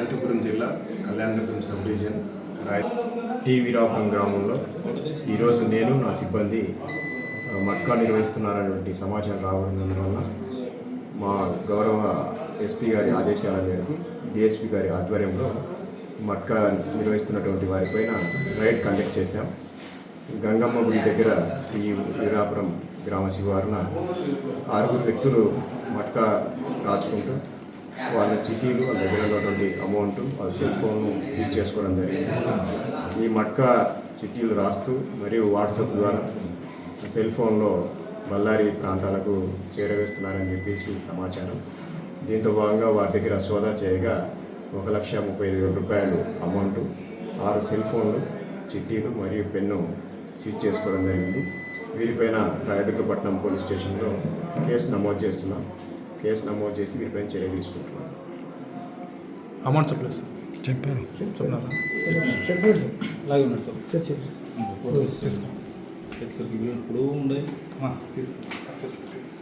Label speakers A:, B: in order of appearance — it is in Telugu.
A: అనంతపురం జిల్లా Kalyandurg sub division T Veerapuram గ్రామంలో ఈరోజు నేను నా సిబ్బంది మట్కా నిర్వహిస్తున్నారనేటువంటి సమాచారం రావడం వల్ల మా గౌరవ ఎస్పీ గారి ఆదేశాల మేరకు డిఎస్పీ గారి ఆధ్వర్యంలో మట్కా నిర్వహిస్తున్నటువంటి వారిపైన రైడ్ కండక్ట్ చేశాం. గంగమ్మ గుడి దగ్గర ఈ వీరాపురం గ్రామ శివారున 6 వ్యక్తులు మట్కా రాచుకుంటూ వాళ్ళ చిట్టీలు, వాళ్ళ దగ్గర ఉన్నటువంటి అమౌంట్, వాళ్ళ సెల్ ఫోన్ సీజ్ చేసుకోవడం జరిగింది. ఈ మట్కా చిట్టీలు రాస్తూ మరియు వాట్సాప్ ద్వారా సెల్ ఫోన్లో బళ్ళారి ప్రాంతాలకు చేరవేస్తున్నారని చెప్పేసి సమాచారం. దీంతో భాగంగా వారి దగ్గర సోదా చేయగా 1,35,000 రూపాయలు అమౌంట్, 6 సెల్ ఫోన్లు, చిట్టీలు మరియు పెన్ను సీజ్ చేసుకోవడం జరిగింది. వీరిపైన రాయదుర్గపట్నం పోలీస్ స్టేషన్లో కేసు నమోదు చేస్తున్నాం. కేసు నమోదు చేసి వీరిపైన చర్య తీసుకుంటున్నాం.
B: అమౌంట్ చెప్పలేదు సార్.
C: చెప్పారు
B: అలాగే ఉన్నాడు సార్. తీసుకో. ఇప్పుడు ఉండే తీసుకో.